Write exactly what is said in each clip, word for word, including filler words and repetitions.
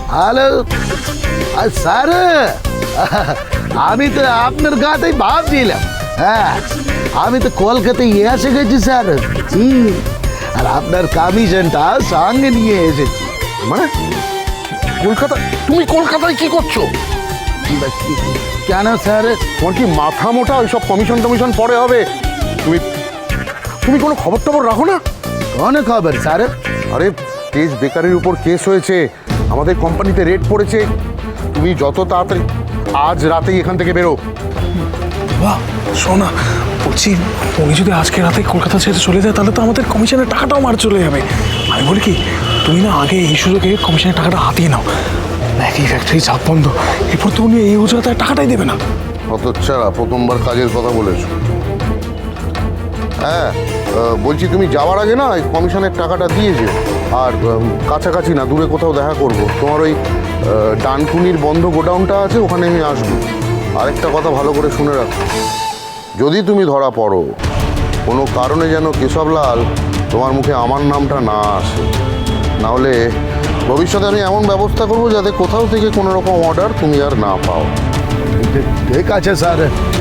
Hello sir, আমি তো আপনার কথাই ভাবছিলাম। হ্যাঁ, আমি তো কলকাতায় এসে গেছি স্যার। হুম, আর আপনার কমিশনটা সঙ্গে নিয়ে এসেছি। মানে কলকাতা? তুমি কলকাতায় কি করছো? কেন স্যার? তোমার কি মাথা মোটা? ওইসব কমিশন টমিশন পরে হবে। তুমি তুমি কোনো খবর টবর রাখো না? কোন খবর স্যার? আরে তেজ বেকারির উপর কেস হয়েছে, আমাদের কোম্পানিতে রেড পড়েছে। তুমি যত তাড়াতাড়ি আজ রাতেই এখান থেকে বেরো। বাহ, শোনা বলছি, উনি যদি আজকে রাতে কলকাতা ছেড়ে চলে যায় তাহলে তো আমাদের কমিশনের টাকাটাও মার চলে যাবে। আমি বলি কি, তুমি না আগে এই সুযোগে কমিশনের টাকাটা হাতিয়ে নাও। একই ফ্যাক্টরি চাপ বন্ধ, এরপর তো উনি এই অজুহাতে টাকাটাই দেবে না। হতচ্ছাড়া, প্রথমবার কাজের কথা বলেছো। হ্যাঁ, আহ, বলছি তুমি যাওয়ার আগে না এই কমিশনের টাকাটা দিয়ে যেও। আর উম, কাছাকাছি না, দূরে কোথাও দেখা করব। তোমার ওই আহ, ডানকুনির বন্ধ গোডাউনটা আছে, ওখানে আমি আসবো। আরেকটা কথা ভালো করে শুনে রাখো, যদি তুমি ধরা পড়ো কোনো কারণে যেন কেশবলাল তোমার মুখে আমার নামটা না আসে, নাহলে ভবিষ্যতে আমি এমন ব্যবস্থা করবো যাতে কোথাও থেকে কোনো রকম অর্ডার তুমি আর না পাও। ঠিক আছে স্যার।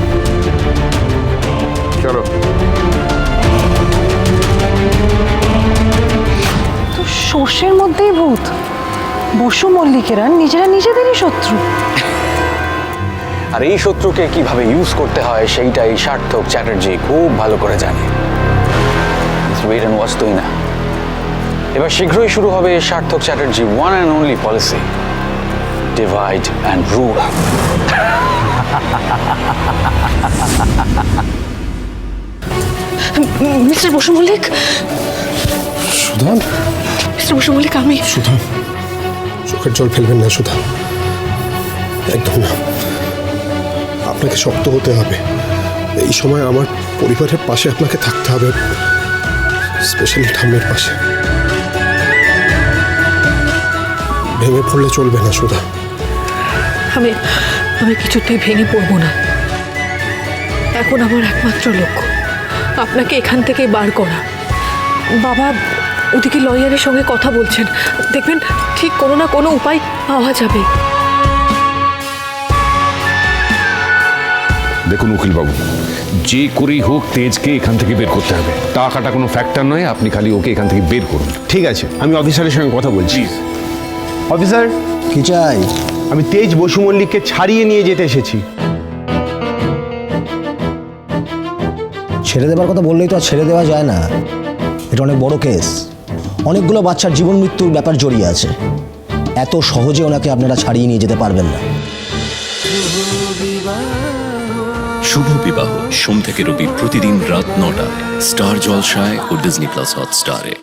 চলো। তো সর্ষের মধ্যেই ভূত। বসু মল্লিকেরা নিজেরা নিজেদেরই শত্রু। আর এই শত্রুকে কিভাবে ইউজ করতে হয় সেইটাই সার্থক চ্যাটার্জি খুব ভালো করে জানে। ওয়েট এন্ড ওয়াচ তুই না, এবার শীঘ্রই শুরু হবে Sarthak Chatterjee one and only policy, divide and rule. Mister Basu Mallick, Sudha, mister Basu Mallick, আমি সুধা, চোখের জল ফেলবেন না সুধা, একদম না। আপনাকে শক্ত হতে হবে। এই সময় আমার পরিবারের পাশে আপনাকে থাকতে হবে, স্পেশালি ঠাম্মের পাশে। ভেঙে পড়লে চলবে না সুধা। আমি আমি কিছুতেই ভেঙে পড়বো না। এখন আমার একমাত্র লক্ষ্য আপনাকে এখান থেকে বার করা। বাবা ওদিকে লয়ারের সঙ্গে কথা বলছেন, দেখবেন ঠিক কোনো না কোনো উপায় পাওয়া যাবে। দেখুন উকিলবাবু, যে করেই হোক তেজকে এখান থেকে বের করতে হবে। টাকাটা কোনো ফ্যাক্টর নয়, আপনি খালি ওকে এখান থেকে বের করুন। ঠিক আছে, আমি অফিসারের সঙ্গে কথা বলছি। অফিসার, কি চাই? আমি তেজ বসু মল্লিককে ছাড়িয়ে নিয়ে যেতে এসেছি। ছেড়ে দেবার কথা বললেই তো আর ছেড়ে দেওয়া যায় না। এটা অনেক বড় কেস, অনেকগুলো বাচ্চার জীবন মৃত্যুর ব্যাপার জড়িয়ে আছে। এত সহজে ওনাকে আপনারা ছাড়িয়ে নিয়ে যেতে পারবেন না। শুভ বিবাহ সোম থেকে রবি প্রতিদিন রাত নটায় স্টার জলসায় ও ডিজনি প্লাস হটস্টারে।